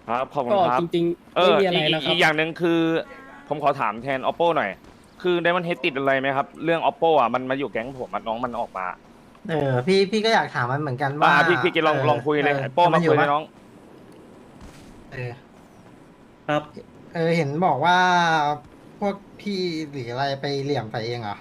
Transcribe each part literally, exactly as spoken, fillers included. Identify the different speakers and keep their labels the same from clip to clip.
Speaker 1: ครับขอบคุ
Speaker 2: ก็
Speaker 1: ณครับ
Speaker 2: จริง
Speaker 1: เออ
Speaker 2: ๆไม่มีอะไร
Speaker 1: อีกอี
Speaker 2: แล้วครับ
Speaker 1: กอีกอย่างหนึ่งคือผมขอถามแทน oppo หน่อยคือไดมอนเฮดติดอะไรไหมครับเรื่อง oppo อ่ะมันมาอยู่แก๊งผมอะน้องมันออกมา
Speaker 3: เออพี่พี่ก็อยากถามมันเหมือนกัน
Speaker 1: อ่า
Speaker 3: ว่า
Speaker 1: พี่พี่กิน
Speaker 3: เออ
Speaker 1: ลองลองคุย
Speaker 3: เออ
Speaker 1: เลยไอ้โป้
Speaker 3: ทำมันอยู่ปะ
Speaker 1: มาคุยเลยน้อง
Speaker 3: เออ
Speaker 4: ครับ
Speaker 3: เออเห็นบอกว่าพวกพี่หรืออะไรไปเหลี่ยมใส่เองเหรอ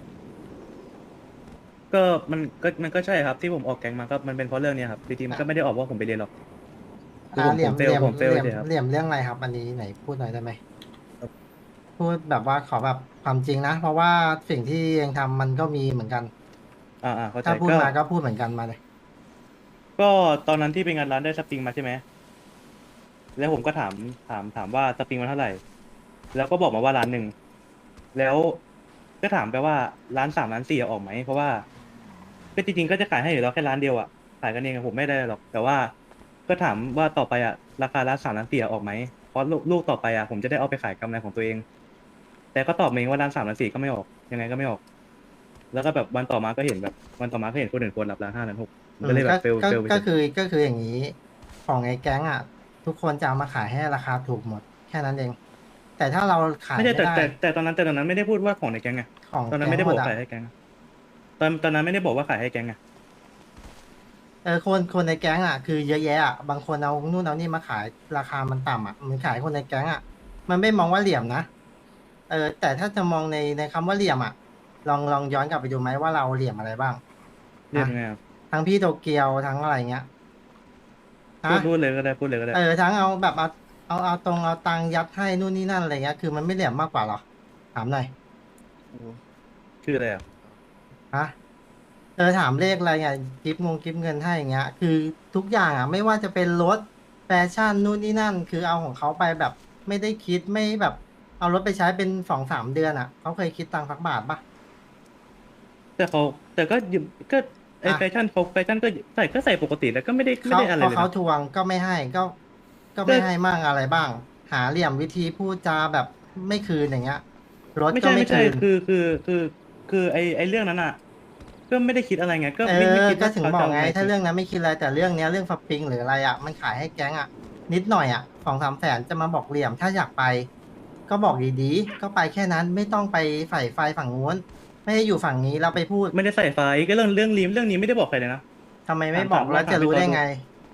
Speaker 4: ก็มันก็มันก็ใช่ครับที่ผมออกแก๊งมาก็มันเป็นเพราะเรื่องเนี้ยครับจริงๆมันก็ไม่ได้ออกว่าผมไปเรียนหรอกคือ
Speaker 3: อ่า
Speaker 4: ผมผมเฟ
Speaker 3: เหลี่ยมเหลี่ยม
Speaker 4: ลผมเฟล
Speaker 3: เหลี่ยม
Speaker 4: เฉยครับ
Speaker 3: เหลี่ยมเรื่องอะไรครับอันนี้ไหนพูดหน่อยได้ไหม
Speaker 4: ครับ
Speaker 3: พูดแบบว่าขอแบบความจริงนะเพราะว่าสิ่งที่เองทำมันก็มีเหมือนกัน
Speaker 4: อ่าอ่าเข้าใจ
Speaker 3: ถ้าพูด
Speaker 4: ก็
Speaker 3: มาก็พูดเหมือนกันมาเลย
Speaker 4: ก็ตอนนั้นที่ไปงานร้านได้สปริงมาใช่ไหมแล้วผมก็ถามถามถามว่าสปริงมันเท่าไหร่แล้วก็บอกมาว่าร้านหนึ่งแล้วก็ถามไปว่าร้านสามร้านสี่ออกไหมเพราะว่าก็จริงๆก็จะขายให้อยู่แล้วแค่ร้านเดียวอ่ะขายกันเองอะผมไม่ได้หรอกแต่ว่าก็ถามว่าต่อไปอ่ะราคาร้านสามร้านสี่ออกไหมเพราะลูกลูกต่อไปอ่ะผมจะได้เอาไปขายกำไรของตัวเอง แต่ก็ตอบมาเองว่าร้านสามร้านสี่ก็ไม่ออกยังไงก็ไม่ออกแล้วก็แบบวันต่อมาก็เห็นแบบวันต่อมาก็เห็นคนอื่นคนรับร้านห้าร้านหกมันก็เลยแบ
Speaker 3: อืมก็
Speaker 4: บเฟล
Speaker 3: ก็
Speaker 4: เฟลไปเฉย
Speaker 3: ก็คือก็คืออย่างนี้ของไอ้แก๊งอ่ะทุกคนจะเอามาขายให้ราคาถูกหมดแค่นั้นเองแต่ถ้าเราขาย
Speaker 4: ไม่ใช่
Speaker 3: ไม่ได้
Speaker 4: แต่แต่แต่ตอนนั้นแต่ตอนนั้นไม่ได้พูดว่าของในแก๊งไง
Speaker 3: ของ
Speaker 4: ตอนนั้น
Speaker 3: แก๊งหมดอ่ะ
Speaker 4: ไม่ได้บอกขายให้แก๊งอะตอนตอนนั้นไม่ได้บอกว่าขายให้แก๊งไง
Speaker 3: เออคนคนในแก๊งอ่ะคือเยอะแยะอ่ะบางคนเอานู่นเอานี่มาขายราคามันต่ำอ่ะมันขายคนในแก๊งอ่ะมันไม่มองว่าเหลี่ยมนะเออแต่ถ้าจะมองในในคำว่าเหลี่ยมอ่ะลองลองย้อนกลับไปดูไหมว่าเราเหลี่ยมอะไรบ้าง
Speaker 4: เรียก
Speaker 3: นะ
Speaker 4: ไงครับ
Speaker 3: ทั้งพี่โตเกียวทั้งอะไรเงี้ย
Speaker 4: พู
Speaker 3: ฮะ
Speaker 4: ดพูดเลยก็ได้พูดเลยก็ได้
Speaker 3: เออทั้งเอาแบบเอาเอาเอาตรงเอาตังค์ยัดให้นู่นนี่นั่นอะไรเงี้ยคือมันไม่เหลี่ยมมากกว่าหรอถามหน่อย
Speaker 4: ชื่ออะไรอ่ะ
Speaker 3: ฮะ เออถามเลขอะไรเงี้ยกิฟต์งงกิฟต์เงินให้อย่างเงี้ยคือทุกอย่างอ่ะไม่ว่าจะเป็นรถแฟชั่นนู่นนี่นั่นคือเอาของเขาไปแบบไม่ได้คิดไม่แบบเอารถไปใช้เป็นสองสามเดือนอ่ะเขาเคยคิดตังค์สักบาทปะ
Speaker 4: แต่เขาแต่ก็ยืมก็ไอ
Speaker 3: อ่ะ
Speaker 4: แฟชั่นเขาแฟชั่นก็ใส่ก็ใส่ปกติแล้วก็ไม่ได้ไม่
Speaker 3: เขา
Speaker 4: ได้อะไร
Speaker 3: พอเขา
Speaker 4: เลยนะ
Speaker 3: ทวงก็ไม่ให้ก็ก็
Speaker 4: ก็
Speaker 3: ไม่ให้มั่งอะไรบ้างหาเหลี่ยมวิธีพูดจาแบบไม่คืนอย่างเงี้ยรถ
Speaker 4: ไม่ใช่ไม่ใช่
Speaker 3: ก็ไม่คืน
Speaker 4: คือคือคือคือไอไอเรื่องนั้นอ่ะก็ไม่ได้คิดอะไรไงก็
Speaker 3: เอ
Speaker 4: ไม่ไม่
Speaker 3: อ
Speaker 4: คิดว่า
Speaker 3: ก็ถึง
Speaker 4: เขาจะเอา
Speaker 3: บอกไง
Speaker 4: ไงจริง
Speaker 3: ถ้าเรื่องนั้นไม่คิดอะไรแต่เรื่องเนี้ยเรื่องสปริงหรืออะไรอ่ะมันขายให้แก๊งอ่ะนิดหน่อยอ่ะสองสามแสนจะมาบอกเหลี่ยมถ้าอยากไป ก็บอกดีๆ ก็ไปแค่นั้นไม่ต้องไปใฝ่ไฟฝั่งนู้นไม่ให้อยู่ฝั่งนี้เราไปพูด
Speaker 4: ไม่ได้ใส่ไฟก็เรื่องเรื่องรีมเรื่องนี้ไม่ได้บอกใครเลยนะ
Speaker 3: ทำไมไม่
Speaker 4: ถามถามลอง
Speaker 3: บอกแล้วจะ
Speaker 4: ถามพี่ตอดู
Speaker 3: รู้ได้ไง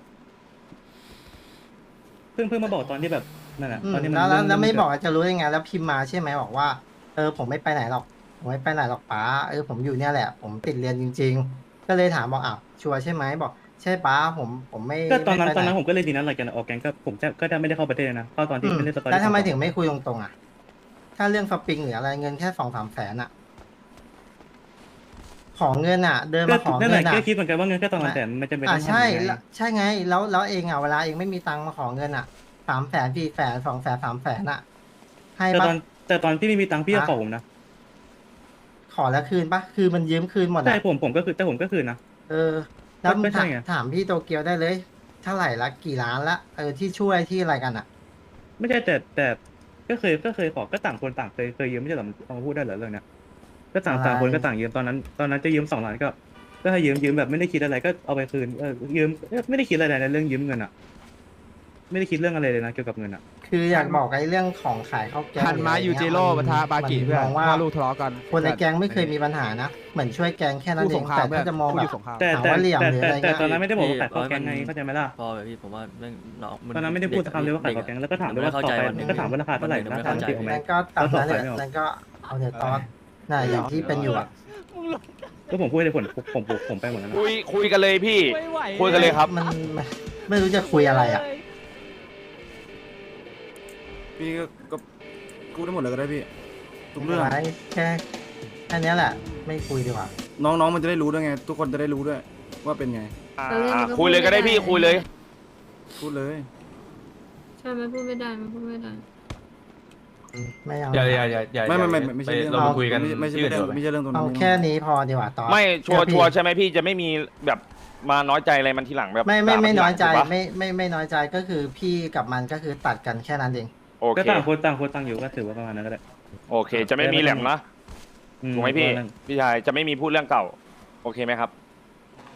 Speaker 4: เพิ่งเพิ่งมาบอกตอนที่แบบนั่นแหละ
Speaker 3: อืม
Speaker 4: ตอนที่มัน
Speaker 3: แล้วแล้วแล้ว
Speaker 4: เรื่องเรื่องมันเกิด
Speaker 3: ไม่บอกจะรู้ได้ไงแล้วพิมพ์มาใช่ไหมบอกว่าเออผมไม่ไปไหนหรอกผมไม่ไปไหนหรอกป๋าเออผมอยู่เนี่ยแหละผมติดเรียนจริงๆก็เลยถามบอกอ้าวชัวร์ใช่ไหมบอกใช่ป๋าผมผมไม่
Speaker 4: ก็ตอน
Speaker 3: ไม่ไปไหน
Speaker 4: นั้นตอนนั้นผมก็เลยดีนั้นหลังจากออกแก๊งก็ผมจะก็จะไม่ได้เข้าประเทศเลยนะเข้าตอน
Speaker 3: อื
Speaker 4: ที่
Speaker 3: ม
Speaker 4: ไม่เล่นสตอ
Speaker 3: แล้วทำไม
Speaker 4: รี่สองสอง
Speaker 3: ถึงไม่คุยตรงๆอ่ะถ้าเรื่องสปริงหรืออะไรเงินแค่สองสามแสนอ่ะขอเงินอ่ะเดิน
Speaker 4: ก็
Speaker 3: มาขอ
Speaker 4: นั่นแห
Speaker 3: เงินอ่ะ
Speaker 4: ละก็คิดเหมือนกันว่าเงินแค่ตอนนั้นแต่มันจะเป็น
Speaker 3: อ่า
Speaker 4: ต้อง
Speaker 3: ใช่
Speaker 4: ทำยังไง
Speaker 3: แล้วใช่ไงแล้วแล้วเองอ่ะเวลาเองไม่มีตังค์มาขอเงินอ่ะสามแสนสี่แสนสองแสนสามแสนอ่ะให้ปะ
Speaker 4: แต่ตอนแต่ตอนที่ไม่มีตังค์พี่ก็
Speaker 3: ฮะ
Speaker 4: ขอผมนะ
Speaker 3: ขอแล้วคืนปะคือมันยืมคืนหมด
Speaker 4: ใช่
Speaker 3: อ่ะ
Speaker 4: ผมผมก็คือแต่ผมก็คืนนะ
Speaker 3: เออแล้วมึงถาม
Speaker 4: ก็ใช่ไง
Speaker 3: ถามพี่โตเกียวได้เลยเท่าไหร่ละกี่ล้านละเออที่ช่วยที่อะไรกันอ่ะ
Speaker 4: ไม่ใช่แต่แต่ก็เคยก็เคยขอก็ต่างคนต่างเคยเคยยืมไม่ใช่เหรอเอามาพูดได้เหรอเรื่องเนี้ยก็ต่าง
Speaker 3: อะไร
Speaker 4: ต่างคนก็ต่างยืมตอนนั้นตอนนั้นจะยืมสองล้านก็ก็ให้ยืมยืมแบบไม่ได้คิดอะไรก็เอาไปคืนเออยืมเอ้ยไม่ได้คิดอะไรในเรื่องยืมเงินอ่ะไม่ได้คิดเรื่องอะไรเลยนะเกี่ยวกับเงินอ่ะ
Speaker 3: คืออยากบอกไอ้เรื่องของขายข้าวแกง
Speaker 5: ทันมายู
Speaker 3: หรืออะไรเงี้
Speaker 5: เจโร่ปะ
Speaker 3: มัน
Speaker 5: ทะบากิเพื่อน
Speaker 3: มันมองว่า
Speaker 5: พ่อลูกทะเลาะกัน
Speaker 3: คนในแก๊งไม่เคยมีปัญหานะเหมือนช่วยแก๊งแค่นั้น
Speaker 5: คู่
Speaker 3: เอ
Speaker 5: ส
Speaker 3: ง
Speaker 5: งคราม
Speaker 3: แต่
Speaker 5: เพื่อ
Speaker 3: ถ้านจะมอง
Speaker 5: คู่
Speaker 3: แบ
Speaker 5: อบ ยู่สงคราม
Speaker 4: แต่
Speaker 3: หา
Speaker 4: แต่
Speaker 3: ว่าเหลี่ยม
Speaker 4: แต่
Speaker 3: หรือ
Speaker 4: แต่
Speaker 3: อะไร
Speaker 4: แต่
Speaker 3: เงี้ย
Speaker 4: ตอนนั้นไม่ได้บอกว่าขายข้าวแกงไง
Speaker 6: พี่
Speaker 4: เข้าใจไหมล่ะ
Speaker 6: พอไปพี่ผมว่าเรื่องน้อง
Speaker 4: ตอนนั้นไม่ได้พูดคำเลยว่าขายข้าวแกงแล้วก็ถามด้วยว่าต่อไปก็ถามว่าราคาเท่าไหร่ราคาจริงไหม
Speaker 3: นั่นก็ตามนั้นแหละนั่นก็เอาเดี๋ยวตอนน่ะอย่างที่เป็นอยู่อะ
Speaker 4: ก็ผมพูดเลยผลผมผมผมไปหมดแล้วนะ
Speaker 1: คุยคุยกันเลยพี่คุยกันเลยครับ
Speaker 3: มันมันไม่รู้จะคุยอะไรอ่ะ
Speaker 7: พี่ก็ก็พูดได้หมดเลยก็ได้พี่ทุกเรื่อง
Speaker 3: ไม่แค่แค่เนี้ยแหละ ไม่คุยดีกว่า
Speaker 7: น้องๆมันจะได้รู้ด้วยไง ทุกคนจะได้รู้ด้วยว่าเป็นไง
Speaker 1: อ่า
Speaker 8: แต่เรื่องมันก็
Speaker 1: คุยเลยก็ได้พี่
Speaker 8: พูดไม่ได้
Speaker 1: คุยเลย
Speaker 7: พูดเลย
Speaker 8: ใช่มันพูดไม่ได้มันพูดไม่ได้
Speaker 3: ไม่เอา
Speaker 9: อย่าอย่าอย่าอย่า
Speaker 7: ไม่ไม่ไม่
Speaker 9: อย่า
Speaker 7: ไม่ใช่
Speaker 9: ป
Speaker 7: เรื่อง
Speaker 9: เรามาคุยกัน
Speaker 7: ไม่ไม่ใช่
Speaker 9: ที่อื่น
Speaker 7: เรื่อง
Speaker 9: ดีกว่าไหม
Speaker 7: ไม่ใช่เรื่องตรงนั้
Speaker 3: เอา
Speaker 7: น
Speaker 3: แค่นี้พอดีกว่าตอน
Speaker 1: ไม่ชัวร์
Speaker 3: เชื่อพี่
Speaker 1: ชัวร์ใช่ไหมพี่จะไม่มีแบบมาน้อยใจอะไรมันทีหลังแบบ
Speaker 3: ไม่ไม่ไม่
Speaker 1: ด่า
Speaker 3: น้อยใจ
Speaker 1: ทีหลังถูกปะ
Speaker 3: ไม่ไม่ไม่น้อยใจก็คือพี่กับมันก็คือตัดกันแค่นั้นเอง
Speaker 1: โอ
Speaker 4: ก็
Speaker 1: เค
Speaker 4: ต่างคนต่างคนต่างอยู่ก็ถือว่าประมาณนั้นก็ได้
Speaker 1: โอเค จะไม่มีแหลมนะ
Speaker 4: อื
Speaker 1: ถูกไหมพี่
Speaker 4: เพราะว่า
Speaker 1: พี่ชายจะไม่มีพูดเรื่องเก่า โอเคไหมครับ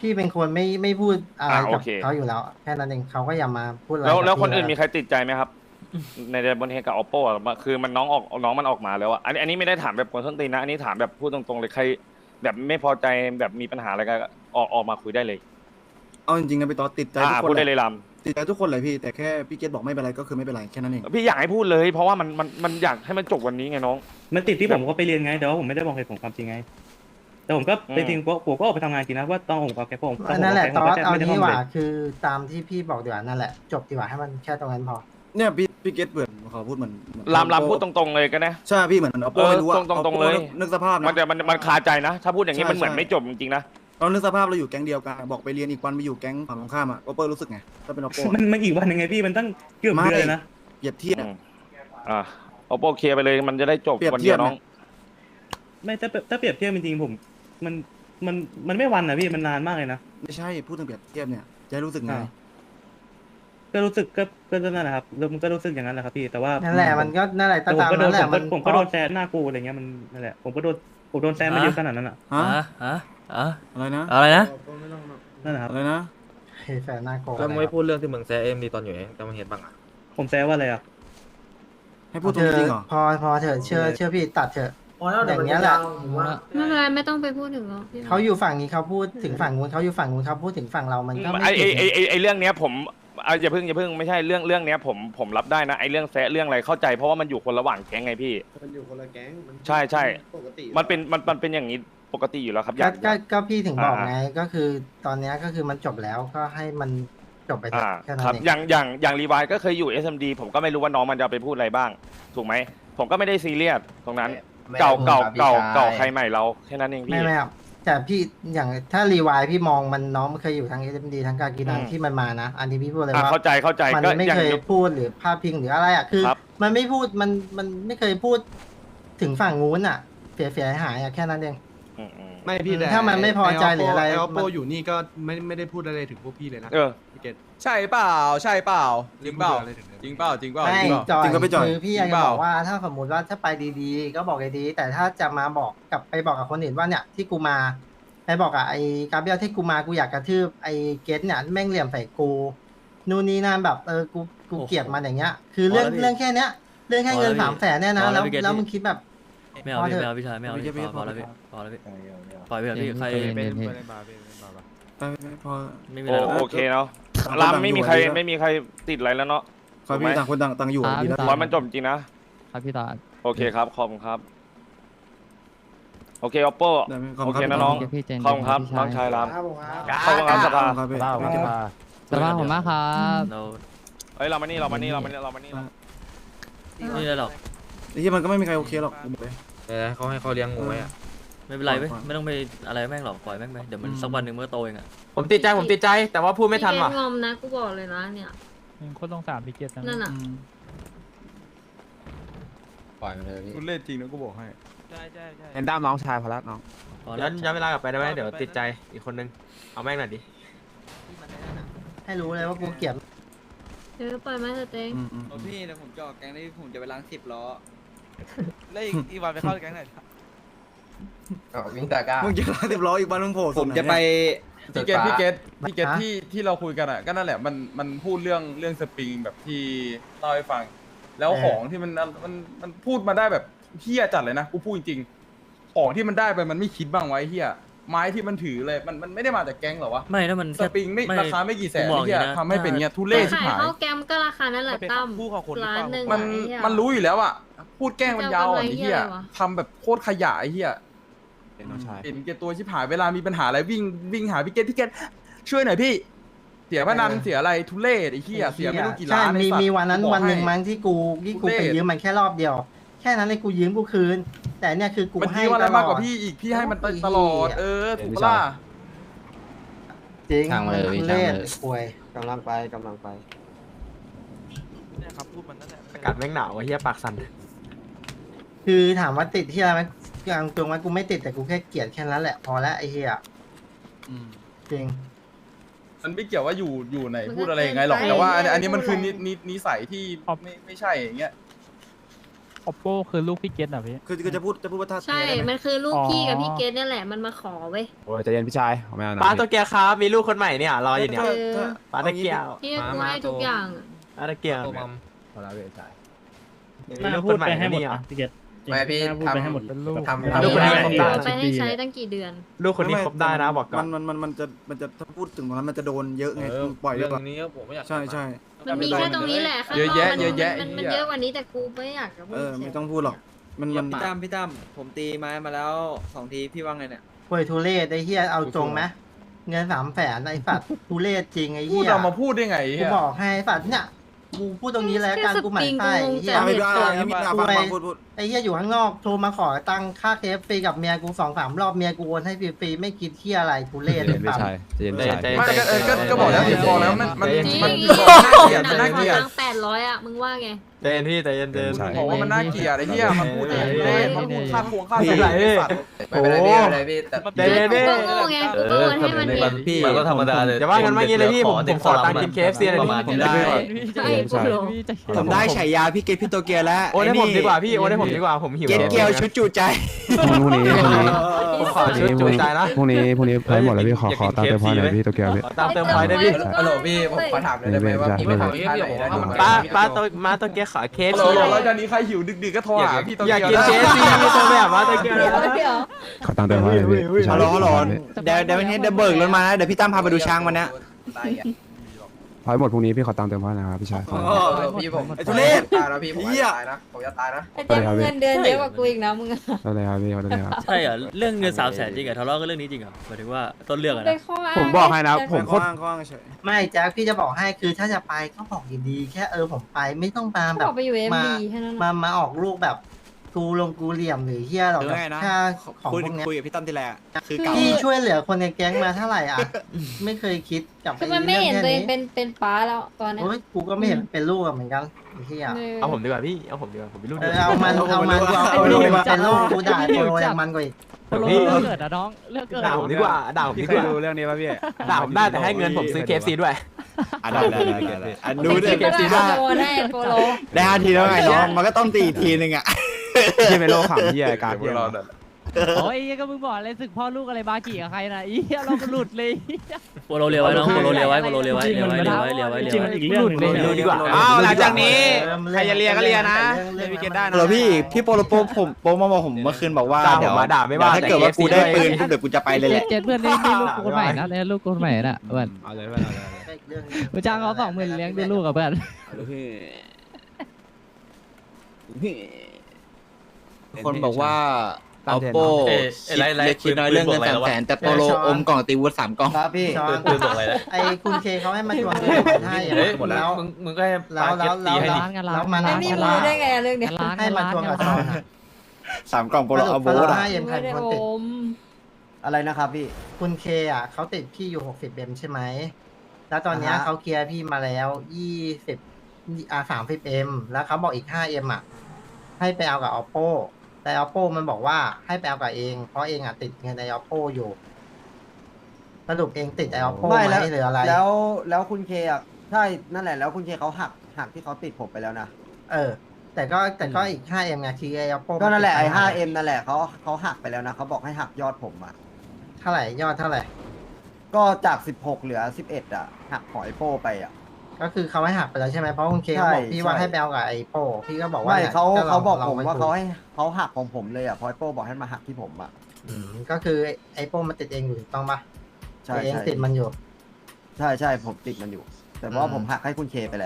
Speaker 3: พี่เป็นคนไม่ไม่พูดอะไร
Speaker 1: อ่าโอ
Speaker 3: กับ
Speaker 1: เค
Speaker 3: เขาอยู่แล้ว แค่นั้นเองเขาก็อย่ามาพูดอะไร
Speaker 1: แล้ว
Speaker 3: กับ
Speaker 1: แล้วคน
Speaker 3: พี่
Speaker 1: อื่น
Speaker 3: เลย
Speaker 1: มีใครติดใจไหมครับ ในเดบนเฮกับ oppo อ่ะคือมันน้องออกน้องมันออกมาแล้วอ่ะอันนี้อันนี้ไม่ได้ถามแบบคนส้นตีนนะอันนี้ถามแบบพูดตรงๆเลยใครแบบไม่พอใจแบบมีปัญหาอะไรก็ออกออกมาคุยได้เลย
Speaker 7: เอาจริงๆนะพี่ต๊อดติดใจทุ
Speaker 1: อ่าก
Speaker 7: คน
Speaker 1: พูดได้
Speaker 7: แห
Speaker 1: เล
Speaker 7: ละ
Speaker 1: ยล
Speaker 7: ติดใจทุกคนเลยพี่แต่แค่พี่เกตบอกไม่เป็นไรก็คือไม่เป็นไรแค่นั้นเอง
Speaker 1: ำพี่อยากให้พูดเลยเพราะว่ามันมันมันอยากให้มันจบวันนี้ไงน้อง
Speaker 4: มันติดที่ผมก็ไปเรียนไงแต่ว่าผมไม่ได้บอกเหตุผลความจริงไง แต่ผมก็
Speaker 1: อืม
Speaker 4: จริงๆผมผมก็ออกไปทำงานจริงนะว่าต้องผมกับแกผม
Speaker 3: อันนั่นแหละ
Speaker 4: ผม
Speaker 3: ตอ
Speaker 4: ก็
Speaker 3: ส
Speaker 4: แทบ
Speaker 3: เอา
Speaker 4: ไม่ได้
Speaker 3: นี้
Speaker 4: ห้
Speaker 3: ดี
Speaker 4: อง
Speaker 3: ก
Speaker 4: เล
Speaker 3: ว่าย คือตามที่พี่บอกดีกว่านั่นแหละจบดีกว่าให้มันแค่ตรงนั้นพอ
Speaker 7: เนี่ยพี่พี่เกตเปิดขอพูดเหมือนเหมือน
Speaker 1: ลำลำพูดตรงๆเลยก็นะ
Speaker 7: ใช่พี่เหมือน oppo
Speaker 1: เออ
Speaker 7: ให้รู้ว่า
Speaker 1: ตรงๆ
Speaker 7: Oppo
Speaker 1: เลย
Speaker 7: นึกนึกสภาพนะ
Speaker 1: มันจะมันมันคาใจนะ ถ้าพูดอย่างนี้
Speaker 7: ใช่
Speaker 1: มันเหมือน
Speaker 7: ใช่
Speaker 1: ไม่จบจริงๆนะ
Speaker 7: เรานึกสภาพเราอยู่แก๊งเดียวกันบอกไปเรียนอีกวันไปอยู่แก๊งฝั่งตรงข้ามอ่ะ oppo รู้สึกไงถ้าเป็น oppo
Speaker 4: มันมันอีกวันหนึ่งไงพี่มันตั้งเกือบ
Speaker 7: ไม่
Speaker 4: เดือนเลยนะ
Speaker 7: เหยียบเทียบ
Speaker 1: อืมอ่า oppo เคลียร์ไปเลยมันจะได้จบ
Speaker 7: เปรียบ
Speaker 1: วันเดียว
Speaker 7: เทียบ
Speaker 1: น้อง
Speaker 7: นะ
Speaker 4: ไม่ถ้าถ้าเปรียบเทียบจริงๆผมมันมันมันไม่วันนะพี่มันนานมากเลยนะ
Speaker 7: ไม่ใช่พูดถึงเปรียบเทียบเนี่ยจะให้รู้สึกไง
Speaker 4: อ่า ก็รู้สึกก็ก็นั่นแหละครับแล้วมันก็รู้สึกอย่างนั้นแหละครับพี่แต่ว่า
Speaker 3: นั่นแหละมันก็นั่นแหละ
Speaker 4: แต่
Speaker 3: ตาม
Speaker 4: ผมก็โด
Speaker 3: นั่
Speaker 4: น
Speaker 3: นแห
Speaker 4: ผ
Speaker 3: ละ
Speaker 4: ม
Speaker 3: มั
Speaker 4: ก็
Speaker 3: น
Speaker 4: ผมก็โดนแซะหน้ากูอะไรเงี้ยมันนั่นแหละผมก็โดนผมโดนแซะมาเยอะขนาดนั้นอ่ะ
Speaker 7: ฮะ
Speaker 2: ฮะฮะฮะ
Speaker 7: อะไรนะ
Speaker 2: อะไรนะ
Speaker 4: นั่นแหละครับ
Speaker 7: อะไรนะ
Speaker 3: เฮ้ยแฟนหน้าโกง
Speaker 5: แล้วมึงไม่พูดเรื่องที่มึงแซะเอ็มดีตอนอยู่ไอ้แต่มึงเห็นบ้างอ่ะ
Speaker 4: ผมแซะว่าอะไรอ่ะ
Speaker 7: ให้พูดตร
Speaker 3: เธ
Speaker 7: ง
Speaker 3: อ
Speaker 7: จริงเหรอ
Speaker 3: พอพอเถอะเชื่อเชื่อพี่ตัดเถอะอย่างเงี้ยแหละ
Speaker 8: ไม่เป็นไรไม่ต้องไปพูดถึงหรอกพี่
Speaker 3: เขาอยู่ฝั่งนี้เขาพูดถึงฝั่งนู้นเขาอยู่ฝั่งนู้นเขาพูดถึงฝั่งเรามันก็
Speaker 1: ไอ
Speaker 3: ไม่
Speaker 1: ไอ
Speaker 3: ผิด
Speaker 1: ไอไอไอเรื่องเนี้ยผมอ่ะอย่าเพิ่งอย่าเพิ่งไม่ใช่เรื่องเรื่องเนี้ยผมผมรับได้นะไอเรื่องแซะเรื่องอะไรเข้าใจเพราะว่ามันอยู่คนระหว่างแก๊งไงพี่
Speaker 6: มันอยู่คนละแก๊งมัน
Speaker 1: ใช่ใช่
Speaker 6: ปกติ
Speaker 1: มันเป็นมันมันเป็นอย่างนี้ปกติอยู่แล้วครับอ
Speaker 3: ก็
Speaker 1: ยาก
Speaker 3: ก็ก็พี่ถึงบอก
Speaker 1: อ่า
Speaker 3: ไงก็คือตอนเนี้ยก็คือมันจบแล้วก็ให้มันจบไปเถ
Speaker 1: อ่า
Speaker 3: อะแค่นั้
Speaker 1: ครับ
Speaker 3: นเอง
Speaker 1: อย่างอย่างอย่างรีวายก็เคยอยู่ เอส เอ็ม ดี ผมก็ไม่รู้ว่าน้องมันจะเอาไปพูดอะไรบ้าง ถูกไหมผมก็ไม่ได้ซีเรียสตรงนั้น เก่าเก่าเก่าเก่าใครใหม่เราแค่นั้นเองพี่
Speaker 3: ไม่ไม่ครับแต่พี่อย่างถ้ารีวายพี่มองมันน้องมันเคยอยู่ทั้งเอ็มดีทั้งการกีนัง
Speaker 1: อืม
Speaker 3: ที่มันมานะ อันนี้พี่พูดเลย
Speaker 1: อ่ะ
Speaker 3: ว่า
Speaker 1: เข้าใจเข้าใจ
Speaker 3: มัน
Speaker 1: ก็
Speaker 3: ไม่
Speaker 1: อย่าง
Speaker 3: เคย
Speaker 1: ยก
Speaker 3: พูดหรือพาดพิงหรืออะไรอ่ะคือ
Speaker 1: ครับ
Speaker 3: มันไม่พูดมันมันไม่เคยพูดถึงฝั่งงู้นอ่ะเสียเสียหายอ่ะแค่นั้นเอง
Speaker 1: อืมอืม
Speaker 6: ไม่พี่แต่
Speaker 3: ถ้ามันไม่พอใจหรืออะไร
Speaker 6: ไอ
Speaker 3: มัน
Speaker 6: โปอยู่นี่ก็ไม่ไม่ได้พูดอะไรถึงพวกพี่เลยนะ
Speaker 1: เออ
Speaker 6: พี่เกต
Speaker 5: ใช่เปล่า ใช่เปล่า จริงเปล่า
Speaker 6: ไม่ได้พูดอะไรถึงเลย
Speaker 5: จริงเปล่า จริงเปล่า
Speaker 3: ไม่
Speaker 5: จริงเปล่า
Speaker 3: จอย
Speaker 7: จริงก็ไม่จอย
Speaker 3: คือพี่อยาก
Speaker 5: จริง
Speaker 3: จะ
Speaker 5: เปล่า
Speaker 3: บอกว่าถ้าสมมติว่าถ้าไปดีๆ ก็บอกดีๆแต่ถ้าจะมาบอกกับไปบอกกับคนอื่นว่าเนี่ยที่กูมาไปบอกกับไอ้กาเบรียลที่กูมากูอยากกระทืบไอ้เกตเนี่ยแม่งเหลี่ยมใส่กูนู่นนี่นั่นแบบเออกูกูเกลียดมันอย่างเงี้ย คือเรื่อง
Speaker 2: พอแล้วพี่
Speaker 3: เรื่องแค่เนี้ยเรื่องแค่เงิน
Speaker 2: พอแล้ว
Speaker 3: สามแสนเนี่ยนะ
Speaker 2: พอแล้
Speaker 3: แล้ว ว
Speaker 2: พี่เกต
Speaker 3: แล้วมึงคิดแบบ
Speaker 2: ไม่เอา
Speaker 3: พอ
Speaker 2: พี่
Speaker 3: เถอะ
Speaker 2: ไม่เอาพี่ชายไม่เอาพี่
Speaker 7: พี่เกต
Speaker 2: พอพอแล้ว
Speaker 7: พี่
Speaker 2: พี่พอแล้วพี่ปล่อยไปเถอะพี่ใคร
Speaker 7: ไปไปพอ
Speaker 2: ไม่มี
Speaker 1: โอ
Speaker 2: อะไรหรอก
Speaker 1: โอเคเนาะ
Speaker 7: ต่างคน
Speaker 1: ราม
Speaker 7: ต่าง
Speaker 1: ไม่มี
Speaker 7: อยู่
Speaker 1: ใคร
Speaker 7: ดีแล้ว
Speaker 1: ไม่มีใครติดอะไรแล้วเนาะ
Speaker 7: คอย
Speaker 1: ถูกไหม
Speaker 7: พี่ต่างคนต่างต่างอยู่
Speaker 9: ครับ
Speaker 7: ดีแล้ว
Speaker 9: พี่
Speaker 1: ขอให้มันจบจริงนะ
Speaker 9: ครับพี่ตา
Speaker 1: โอเคครับขอบคุณครับ โอเค oppo
Speaker 7: ได้ไหมขอบ
Speaker 1: โอ
Speaker 7: คุณ
Speaker 1: เค
Speaker 7: ครั
Speaker 1: นะ
Speaker 7: บ
Speaker 1: น้อง
Speaker 9: พี่เจน
Speaker 1: ขอบคุณครับ
Speaker 9: พี่ชาย
Speaker 1: น้องชายราม
Speaker 6: ครับผมครับ
Speaker 1: ขอบคุณครับสภา
Speaker 7: ครับพี่
Speaker 9: สภาพผมมากครับ
Speaker 2: เรา
Speaker 1: เฮ้ยเรามานี่เรามานี่เรามานี่เรามานี่
Speaker 2: ไม่มีอะไรหรอก
Speaker 7: ไอ้ที่มันก็ไม่มีใครโอเคหรอกกูบอกเลย
Speaker 5: เออเขาให้เขาเลี้ยงงูไว้อ่ะ
Speaker 2: ไม่เป็นไรเว้ย
Speaker 7: ปล่อย
Speaker 2: ไม่ต้องไปอะไรแม่งหรอกปล่อยแม่งไปเดี๋ยวมันสักวันหนึ่งมันก็โตเองอ่ะ
Speaker 5: ผมติดใจ ผมติดใจ แต่ว่าพูดไม่ทันว่ะ
Speaker 8: พี่เกรงงอมนะกูบอกเลยนะเนี่ย
Speaker 9: คนต้องสามพิเกตนะ
Speaker 8: นั่นน่ะ
Speaker 5: ปล่อยมันเลยพี่
Speaker 7: คุณเล่นจริงนะกูบอกให้
Speaker 5: เห็นด้ามน้องชายพอแล้วน้อง
Speaker 2: พอ
Speaker 5: ย้
Speaker 2: แล้
Speaker 5: อ
Speaker 2: วน
Speaker 5: ย้อนเวลากลับไปได้ไหมเดี๋ยวติดใจอีกคนนึง เอาแม่งหน่อยดิ
Speaker 3: ให้รู้เลยว่ากูเกลียด
Speaker 8: เออปล่อยมาเถอะเต็ง
Speaker 7: อืมอืม
Speaker 10: โอ้พี่เดี๋ยวผมจะออกแก๊งนี้ผมจะไปล้างสิบล้อ แล้วอีกอีกวันไปเข้าแก๊งไหน
Speaker 5: วิ่งตาก้า
Speaker 7: มึงจะลาเรียบร้อยอีกบ้านมึงโผล่
Speaker 10: ผมจะไป
Speaker 11: พี่เกตพี่เกตพี่เกต
Speaker 3: ฮะ
Speaker 11: ที่ที่เราคุยกันอ่ะก็นั่นแหละมันมันพูดเรื่องเรื่องสปริงแบบที่เล่าให้ฟัง แล้วของที่มันมันมันพูดมาได้แบบเฮี้ยจัดเลยนะกูพูดจริงๆของที่มันได้ไปมันไม่คิดบ้างไว้เฮี้ยไม้ที่มันถือเลยมันมันไม่ได้มาจากแก๊งเหรอวะ
Speaker 2: ไม่ถ้ามัน
Speaker 11: ส
Speaker 2: แค่
Speaker 11: ปริงไม่
Speaker 2: ไม่
Speaker 11: ราคาไม่กี่แสน
Speaker 2: ผมบอก
Speaker 11: เฮี้ย
Speaker 2: อย่างนี้นะ
Speaker 11: ทำให้เป็นเงี้ยทุเรศชิบ
Speaker 8: ขาย
Speaker 11: หาย
Speaker 8: ข้าวแกมก็ราคานั่นแหละตั้มร้านหนึ่ง
Speaker 11: มัน
Speaker 8: ไอ้เหี้ย
Speaker 11: มันรู้อยู่แล้วอ่ะพูดแกล้งมันยาวอ่ะ
Speaker 8: จะเอา
Speaker 11: ไอ้
Speaker 8: กำไร
Speaker 11: เฮี้ย
Speaker 8: เหี้ยอะไรวะ
Speaker 11: ทำแบบโคตรขยะไอ้เฮี้ย
Speaker 5: เป็นน้องชาย
Speaker 11: เห็นแกตัวชิบหายเวลามีปัญหาอะไรวิ่งวิ่งหาพี่เกตพี่เกตช่วยหน่อยพี่ เสียพนันเสียอะไรทุเรศไอ้เหี้ยเสียไม่รู้กี่ล้าน
Speaker 3: ใช่มี
Speaker 11: ไอ้สัตว์
Speaker 3: มีวันนั้น
Speaker 11: กูบอก
Speaker 3: วันหนึ่ง
Speaker 11: ให้
Speaker 3: มั้งที่กูที่กู
Speaker 11: ทุเรศ
Speaker 3: ไปยืมมันแค่รอบเดียว แค่นั้นเลยกูยืมกูคืน แต่เนี่ยคือกู
Speaker 11: มัน
Speaker 3: ให้
Speaker 11: ยืมอะไร
Speaker 3: ตล
Speaker 11: มาก
Speaker 3: อด
Speaker 11: กว่าพี่อีกพี่ให้มัน
Speaker 3: โอ้ย
Speaker 11: ตลอด
Speaker 3: เหี้ย
Speaker 11: เออถูกปะล่ะ
Speaker 3: จริง
Speaker 5: ช่างมาเลยพี่
Speaker 3: ทุ
Speaker 5: ช่าง
Speaker 3: เร
Speaker 5: มา
Speaker 3: ศ
Speaker 5: เลย
Speaker 3: ป่วย
Speaker 6: กำลังไปกำลังไป
Speaker 10: เนี่ยครับพูดมันนั่นแหละ
Speaker 5: อากาศแม่งหนาวไอ้เหี้ยปากสั่น
Speaker 3: คือถามว่าติดที่อะไรไหมกลางตรงไหมกูไม่ติดแต่กูแค่เกลียดแค่นั้นแหละพอแล้วไอ้เหี้ย
Speaker 11: อืม
Speaker 3: จริง
Speaker 11: มันไม่เกี่ยวว่าอยู่อยู่ไหน
Speaker 8: มันก็
Speaker 11: พูดอะไรยังไงหรอก
Speaker 8: เกินไป
Speaker 11: แต่ว่าอัน
Speaker 8: ไม่ได้
Speaker 11: อันนี้มันคือ
Speaker 8: พูดอะไร
Speaker 11: นินินิสัยที่ไม่ไม่ใช่อย่างเงี้ย
Speaker 9: oppo คือลูกพี่เกตเหรอพี่
Speaker 7: คือคือจะพูดจะพูดว่าถ้า
Speaker 8: ใช่
Speaker 7: แท้ได้ไหม
Speaker 8: มันคือลูกพี่กับ
Speaker 9: อ๋อ
Speaker 8: พี่เกดเนี่ยแหละมันมาขอเว้ย
Speaker 5: โอ้ยใจเย็นพี่ชายเอาไม่เอานะ
Speaker 6: ป้าตัวแกครับมีลูกคนใหม่เนี่ยรออยู่เนี่ย
Speaker 8: เออ
Speaker 6: ป้าตะเกียว
Speaker 8: พี่กูให้ทุกอย่างอะ
Speaker 6: ป้าตะเกียว
Speaker 5: พอแล้วพี่ชาย
Speaker 6: มีลูกคนใหม่ให้หมดพี่เกต
Speaker 5: ไม่พี่ทำ
Speaker 9: เป็นลูก
Speaker 5: ทำ
Speaker 8: เอ
Speaker 5: ทำ
Speaker 8: อ
Speaker 5: ลูกคนนี้
Speaker 8: เอา
Speaker 5: ผมได้
Speaker 8: ไปให้ใช้ตั้งกี่เดือน
Speaker 6: ลูกคนนี้ครบได้นะบอกก่อน
Speaker 7: มันมันมันมันจะมันจะถ้าพูดถึงตรงนั้นมันจะโดนเยอะไง
Speaker 5: เออ
Speaker 7: ปล่อย
Speaker 5: เรื่
Speaker 7: เย
Speaker 5: อง
Speaker 7: อะ
Speaker 5: นี้ผมไม่อยาก
Speaker 7: ใช่ใช่
Speaker 8: มันมีแค่ตรงนี้แหละข้าง
Speaker 11: เยอะ
Speaker 8: นอก
Speaker 11: แยะ
Speaker 8: มัน
Speaker 11: เยอะแยะ
Speaker 8: มันมัน
Speaker 11: ไอ้เหี้ย
Speaker 8: เยอะกว่านี้แต่กูไม่อยากจะพูด
Speaker 7: เออ
Speaker 8: เฉ
Speaker 7: ไม่
Speaker 8: ย
Speaker 7: ต้องพูดหรอกมันมัน
Speaker 10: พี่ตั้มพี่ตั้มผมตีไม้มาแล้วสองทีพี่ว่าไงเนี่ย
Speaker 3: ป่วยทุเรศไอ้เหี้ยเอาตรงไหมเงินสามแสนไอ้สัตว์ทุเรศจริงไอ้
Speaker 11: พูด
Speaker 3: เหี้ย
Speaker 11: เอามาพูดได้ไงไอ้
Speaker 3: กู
Speaker 11: เหี้ย
Speaker 3: บอกให้ไอ้สัตว์เนี่ยกูพูดตรงนี้แล้วกันกูหมั่นไส้ไอ้เหี้ย
Speaker 7: อ่ะไม่ได้อ่ะมีหน้าฟังฟังพูดพูด
Speaker 3: ไอ้เหี้ยอยู่ข้างนอกโทรมาขอตังค่าเคฟฟรีกับเมียกูสองสามรอบเมียกูโอนให้ฟรีๆไม่คิดเที่ยอะไรทุเรศไอ้สัตว์
Speaker 5: ใจเย็นพี่ชาย
Speaker 11: ไม่ก็เออก็ก็บอกแล้วเดี๋ยวบอกแล้วมันมัน
Speaker 8: จริง
Speaker 11: มัน
Speaker 8: อี
Speaker 11: มันน่าเกลียดมันน่าเกลียด
Speaker 8: ตังแปดร้อยอ่ะมึงว่าไง
Speaker 6: ใจเย็นพี่ใจเย็นใจเย็น
Speaker 11: บอกว่ามันน่าเกลียดไอ้เหี้ยมันพูดเองเลยมันพูดค่าควงค่า
Speaker 6: ไม่
Speaker 11: เสี
Speaker 6: เป็นไร
Speaker 11: ย
Speaker 6: พี่
Speaker 11: สัตว์
Speaker 6: ไม่เป็นไรพี่ไม่เป็นไรพี่ ใจเย็น
Speaker 8: กู
Speaker 6: พี่
Speaker 8: ก็โง่ไงกูก็โอนให้มันเอง
Speaker 5: พี่มันก็ธรรมดาเลย
Speaker 6: อย่าว่ากันว่างี้เลยพี่ผมผมขอตังค์กิน เค เอฟ ซี เลย
Speaker 5: ประมาณ
Speaker 6: พี่
Speaker 5: นี้ได้
Speaker 8: ใช่กูรู้
Speaker 6: ผมได้ฉายาพี่เกตพี่โตเกียวแล้วโอนให้ผมดีกว่าพี่โอนให้ผมดีกว่าผมหิวเกตเกียวชุดจูใจ
Speaker 5: พรุ่งนี้พรุ่งนี้
Speaker 6: ผมขอชุดจูใจนะ
Speaker 5: พรุ่งนี้พรุ่งนี้เพลย์หมดแล้วพี่ขอขอตามเต็มพอยหน่อยพี่ตัวแกพี่
Speaker 6: ขอตามเติมพอยต์ได้พี่
Speaker 8: ฮัลโหลพี่ผมขอถาม
Speaker 5: ได้ไหมว่าพี่ไม่ทำ
Speaker 6: ป้าป้าโตมาโตเกียวขอเคฟ
Speaker 11: ฮัลโหล
Speaker 6: ซี
Speaker 11: แล้วตอนนี้ใครหิวดึกๆก็โทรหาพี่โต
Speaker 6: อยาก
Speaker 11: เกียว
Speaker 6: กิน
Speaker 11: นะ
Speaker 6: เคฟซีพี่โตแบบมาโตเกียว
Speaker 8: เดี๋ยวเดี๋ยว
Speaker 5: ขอตามเต็มพอยหน่อยพี่พี่ชาย
Speaker 6: ฮัลโหลฮัลโหลเดี๋ยวเดี๋ยววันนี้เดี๋ยวเบิกรถมานะเดี๋ยวพี่ตั้มพาไปดูช้างวันเนี้ย
Speaker 5: พอยหมดพรุ่งนี้พี่ขอตามเต็มพอยนะครับพี่ชายขอ
Speaker 11: พี่ผม
Speaker 7: ไอ้ทุเรศ
Speaker 11: ตายแล้วพี่ผม
Speaker 7: เหี้ย
Speaker 11: ตายนะผมจะตายนะ
Speaker 8: ไอ้เจ๊เงินเดือนเยอะกว่ากูอีกนะมึงอะ
Speaker 5: ได้เลยครับพี่ขอได้เลยครับ
Speaker 2: ใช่เหรอเรื่องเงินสามแสนจริงเหรอทะเลาะกันเรื่องนี้จริงเหรอหมายถึงว่าต้นเรื่องอะ
Speaker 8: เป็น
Speaker 2: นะ
Speaker 8: ข้ออ้าง
Speaker 5: ผมบอกให้นะผม
Speaker 7: ข้ออ้างข้ออ้างเฉย
Speaker 3: ไม่แจ็คพี่จะบอกให้คือถ้าจะไปก็บอกดีๆแค่เออผมไปไม่ต้องมา
Speaker 8: เขา
Speaker 3: แบบ
Speaker 8: บอกไปอยู่เอ็ม
Speaker 3: มา
Speaker 8: ดีแค่นั้น
Speaker 3: มา
Speaker 8: นะ
Speaker 3: มาออกลูกแบบกูลงกูเหลี่ยมหรือเฮียหรอกแบบแค่ของพวกเนี้ย
Speaker 6: คุยกับพี่ตั้มทีแรกคือ
Speaker 3: พี่ช่วยเหลือคนในแก๊งมาเท่าไหร่อ่ะ ไม่เคยคิดกับ
Speaker 8: คือมันไม่เห็นตัวเอง
Speaker 3: เป็
Speaker 8: เป็น นเป็นป้าแล้วตอนเนี้ย
Speaker 3: โอ้ยกูก็ไม่เห็นเป็นลูกอะเหมือนกันไอ้เฮีย
Speaker 6: เอาผมดีกว่าพี่เอาผมดีกว่าผมเป็นลูก
Speaker 3: เอ
Speaker 6: เดียว
Speaker 3: อเอามันเอามันกูเอาลูกมาเป็นลูกกูด่าโปโลยังมันกว่าอีก
Speaker 9: โปโลเรื่องเกิดอะน้องเรื่องเกิด
Speaker 6: ด่าผมดีกว่าด่าผมดีกว่า
Speaker 5: ดูเรื่องนี้ป่ะพี่
Speaker 6: ด่าผมได้แต่ให้เงินผมซื้อ เค เอฟ ซี ด้วยได้ได้ได้อันดู
Speaker 8: เด็
Speaker 6: ได้
Speaker 8: ก
Speaker 6: เค
Speaker 8: ก็
Speaker 6: เอฟซี
Speaker 8: ได้
Speaker 6: ได้
Speaker 8: โดนให้โปโล
Speaker 6: ได้ห้าทีแล้วไงน้องมันก็ต้องตีอีกทีนึงอ่ะ
Speaker 5: ที่เป็นโลกขำที่การ
Speaker 11: เดี๋ยว
Speaker 5: เที่ยว
Speaker 11: รอเดี๋ยว
Speaker 9: โอ้ยไอ้ก็มึงบอกอะไรศึกพ่อลูกอะไรบากี่กับใครนะอีเราหลุดเลย
Speaker 2: โปโลเลียวไว้น้องโปโลเลียวไว้โปโลเลียวไว้เลียวไว้เลียวไว้เลียวไว้เลียวไว้
Speaker 9: อีกเรื่องหนึ่งเลย
Speaker 6: ดีกว่า
Speaker 3: อ้าวหลังจากนี้
Speaker 6: ใครจะเลียก็เลียนะ
Speaker 3: เล่นวิกเก็ต
Speaker 6: ฮัลโหลพี่พี่โปโลโปผมโปมาบอกผมเมื่อคืนบอกว่าเดี๋ยวด่าไม่ว่าถ้าเกิดว่ากูได้ปืนปุ๊บเดี๋ยวกูจะไปเลยแหละ
Speaker 9: เจ็ดเพื่อนนี่นี่ลูกคนใหม่นะเลยลูกคนใหม่น่ะเพื่อน
Speaker 5: เอาเลยเอาเลย
Speaker 9: กูจ้างเขาสองหมื่นเลี้ยงดูลูกกับเพื่อน
Speaker 6: คนบอกว่า
Speaker 5: Oppo
Speaker 6: คิดเล็กคิดน้อยเรื่องเงินสามแสนแต่โปโลอมกล่องตีวุฒิสามกล่อง
Speaker 3: ครับพี่
Speaker 2: ปืนบอกอะไรนะ
Speaker 3: ไอ้คุณเคเขาให้มาชวนเงินให้อะแล้ว
Speaker 2: มึงมึงก็ให้
Speaker 3: แล้วแล้วแล้ว
Speaker 9: ร้านกันร้าน
Speaker 3: แล้วมัน
Speaker 8: ไม่มีรู้ได้ไงเรื่องเนี้ย
Speaker 9: ร้าน
Speaker 3: ให้มาชวนกับชอนอะ
Speaker 6: สามกล่องโปโลเอาโบ
Speaker 3: สรุป
Speaker 6: ส
Speaker 3: ให้เอ็มใคร
Speaker 8: ไม่
Speaker 3: เป็
Speaker 8: ได้
Speaker 3: นคน
Speaker 8: โอ
Speaker 3: ติด
Speaker 8: ม
Speaker 3: อะไรนะครับพี่ คุณเคอ่ะเขาติดพี่อยู่หกสิบเอ็มใช่ไหม แล้วตอนเนี้ยเขาเคลียร์พี่มาแล้วยี่สิบอ่าสามสิบเอ็มแล้วเขาบอกอีกห้าเอ็มอ่ะ ให้ไปเอากับ oppo แต่ oppo มันบอกว่าให้ไปเอากับเอง เพราะเองอ่ะติดเงินใน oppo อยู่ สรุปเองติดไอ oppo ไหมหรืออะไร
Speaker 12: แล้วแล้วคุณเคอ่ะใช่นั่นแหละแล้วคุณเคเขาหักหักที่เขาติดผมไปแล้วนะ
Speaker 3: เออ แต่ก็แต่ก็อีกห้าเอ็มไงคือไอ oppo
Speaker 12: ก็นั่นแหละไอ้ ห้าเอ็ม นั่นแหละเขาเขาหักไปแล้วนะเขาบอกให้หักยอดผมอ่ะ
Speaker 3: เท่าไหร่ยอดเท่าไหร่
Speaker 12: ก็จากสิบหกเหลือสิบเอ็ดอ่ะหักของไอโป้ไปอ่ะ
Speaker 3: ก็คือเขาให้หักไปแล้วใช่ไหมเพราะคุณเคเขาบอก
Speaker 12: ใช่
Speaker 3: พี่ว่า
Speaker 12: ใช่
Speaker 3: ให้ไปเอากับไอโป้พี่ก็บอกว่า
Speaker 12: ไม่เขา
Speaker 3: นี่ย
Speaker 12: เขาบอก
Speaker 3: ลง
Speaker 12: ผม
Speaker 3: ไป
Speaker 12: ว่า
Speaker 3: คุย
Speaker 12: เขาให้เขาหักของผมเลยอ่ะเพราะไอโป้บอกให้มาหักที่ผมอ่ะ
Speaker 3: อืมก็คือไอโป้มันติดเองอยู่ถูกต้องปะ
Speaker 12: ใช่
Speaker 3: ตัวเอง
Speaker 12: ใช่
Speaker 3: ติดมันอยู่
Speaker 12: ใช่ใช่ผมติดมันอยู่ แต่ว่า
Speaker 3: อืม
Speaker 12: ผมหักให้คุณเคไปแล้ว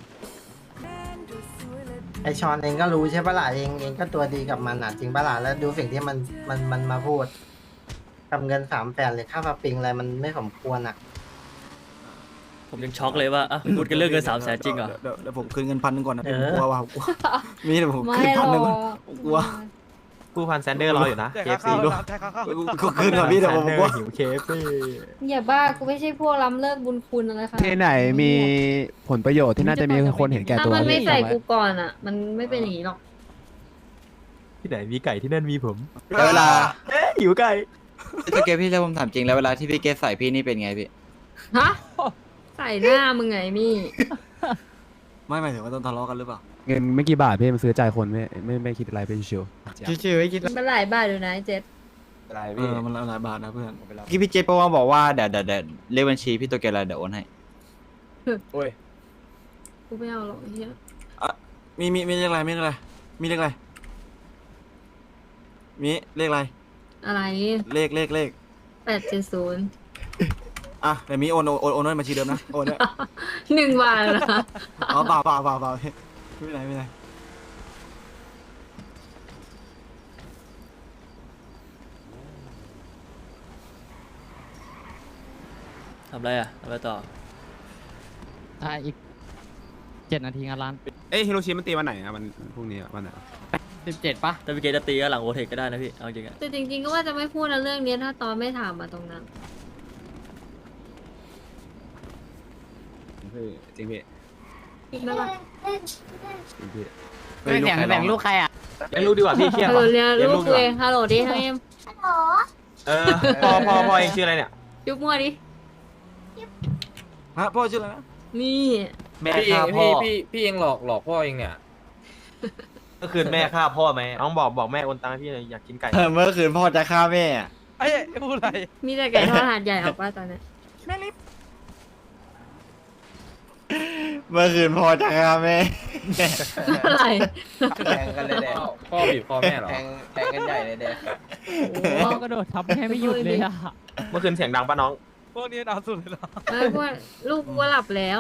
Speaker 3: ไอชอนเองก็รู้ใช่ปะล่ะเองเองก็ตัวดีกับมันอ่ะจริงปะล่ะแล้วดูสิ่งที่มันมันมันมาพูดกับเงินสามแสนหรือค่าสปริงอะไรมันไม่สมควรอ่ะ
Speaker 2: ผมยังช็อกเลยว่าอ่ะพูดกันเรื่องเงินสามแสนจริงเหรอ
Speaker 7: เดี๋ยวเดี๋ยวผมคืนเงินพันหนึ่งก่อนนะ
Speaker 3: เอ
Speaker 7: ผม
Speaker 3: อ
Speaker 7: กลัวว่ะผมกลัวมีแต่ผม
Speaker 8: ไม่
Speaker 7: คืน
Speaker 8: หร
Speaker 7: พั
Speaker 8: อน
Speaker 7: หนึ่งก่อน
Speaker 8: ก
Speaker 7: กลัว
Speaker 6: กูพันแซนเดอร์รออยู่นะ เค เอฟ ซีด้วย
Speaker 7: กูคืนก่อนพี่เดี๋ยวผมกลัว
Speaker 6: หิว เค เอฟ ซี
Speaker 8: อย่าบ้ากูไม่ใช่พวกล้ำเลิกบุญคุณอะไรค่ะ
Speaker 5: ที่ไหนมีผลประโยชน์ที่น่าจะมีคนเห็นแก่
Speaker 8: ถ้า
Speaker 5: ตัว
Speaker 8: มันไม่
Speaker 5: พี่
Speaker 8: ใส่กูก่อนอ่ะ มันไม่เป็นอย่างนี้หรอก
Speaker 6: ที่ไหนมีไก่ที่นั่นมีผม
Speaker 12: แล้วเวลา
Speaker 6: เอ๊ะหิวไก่
Speaker 12: พี่เกพี่แล้วผมถามจริงแล้วเวลาที่พี่เกใส่พี่นี่เป็นไงพี่
Speaker 8: ฮะ ใส่หน้ามึงไงมี่
Speaker 7: ไม่หมายถึงว่าต้องทะเลาะกันหรือเปล่า
Speaker 5: เงินไม่กี่บาทพี่มันซื้อใจคนไม่ไม่ไม่คิดอะไรไปชิว
Speaker 6: ชิวๆไม่คิด
Speaker 8: มันหลายบาทอยู่นะไอ้เจ็ด
Speaker 6: อะไร
Speaker 7: เอ
Speaker 6: พี่
Speaker 7: อมันหลายบาทนะเพื่อน
Speaker 6: พี่พี่เจโปมาบอกว่าเดี๋ยวเดี๋ยวเดี๋ยวเลขบัญชีพี่ตัวแกอะไรเดี๋ยวโอนให้
Speaker 1: โอ้ย
Speaker 8: กูไม่เอาหรอกไอ้เหี้ย
Speaker 7: มีมีมีเลขอะไรมีเลขอะไรมีเลขอะไรมีเลขอะไร
Speaker 8: อะไร
Speaker 7: เลขเลขเลข
Speaker 8: แปดเจ็ดศูนย์
Speaker 7: อ่ะเดี๋ยวมีโอนโอนโอนโอนให้บัญชีเดิมนะโอนเนี่ย
Speaker 8: หนึ่งบาทเหรอ
Speaker 7: อ๋อเปล่าเปล่าเปล่าเปล่าไม่เป็นไรไม่เป็นไร
Speaker 2: ทำไรอ่ะทำไรต่อ
Speaker 9: อ่ะอีกเจ็ดนาทีงานร้าน
Speaker 5: ๆเอ้ยฮิโรชิมันตีวันไหนอะมันพรุ่งนี้อะวันไหน
Speaker 9: สิบเจ็ดปะ
Speaker 2: ถ้าพี่เกจะตีก็หลังโอเทคก็ได้นะพี่เอาจริงอะ
Speaker 8: แต่จริงๆก็ว่าจะไม่พูดนะเรื่องนี้ถ้าตอนไม่ถามมาตรงนั้น
Speaker 5: จริงพี่
Speaker 8: คิดไหมล่ะ
Speaker 5: จริงพี่
Speaker 9: ไม่แข่งแบ่งลูกใครอ่ะ
Speaker 1: เลี้ยงลูกดีกว่าพี่เครียด
Speaker 8: ฮัลโหล
Speaker 1: ว่ะ
Speaker 8: เรียน
Speaker 1: เลี้ยง
Speaker 8: ลู
Speaker 1: ลู
Speaker 8: ก
Speaker 1: กดีก
Speaker 8: เอ
Speaker 1: ว่าง
Speaker 8: ฮัลโหลดิทั้งเอ็ม
Speaker 1: เออพ่อพ่อพ่อเองชื่ออะไรเนี่ย
Speaker 8: ยุบมั่วดิ
Speaker 7: ฮะพ่อชื่ออะไรนะ
Speaker 8: นี่
Speaker 1: แม่ฆ่าพ่อพี่พี่เองหลอกหลอกพ่อเองเนี่ยก็คืนแม่ฆ่าพ่อไหมน้องบอกบอกแม่โอนตังค์ให้พี่เลยอยากกินไก่
Speaker 6: เมื่อคืนพ่อจะฆ่าแม่อะ
Speaker 1: ไอ้พูดอะไร
Speaker 8: มีแต่ไก่ทอดหาดใหญ่ออกป่ะตอนเนี้ย
Speaker 6: เมื่อคืนพ่อจะฆ่าแม่
Speaker 8: อะไร
Speaker 1: แทงกันเลยแดงพ่อบีบคอแม่เหรอแทงแทงกันใหญ่เลยแดง
Speaker 9: พ่อกระโดดทับแม่ไม่หยุดเลยอ่ะ
Speaker 1: เมื่อคืนเสียงดังป่ะน้องพวกนี้เอาสุดเลยเหรอ
Speaker 8: เออพวกลูกกูหลับแล้ว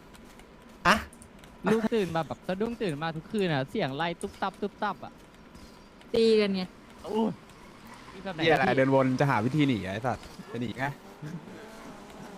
Speaker 9: ลูกตื่นมาแบบสะดุ้งตื่นมาทุกคืนอ่ะเสียงไล่ตุ๊บตับตุ๊บตับอ่ะ
Speaker 8: ตีกันไง
Speaker 9: โอ้ยมีแบบไหน
Speaker 5: เหียอะไร
Speaker 9: พี่
Speaker 5: เดินวนจะหาวิธีหนีไอ้สัตว์จะหนีไง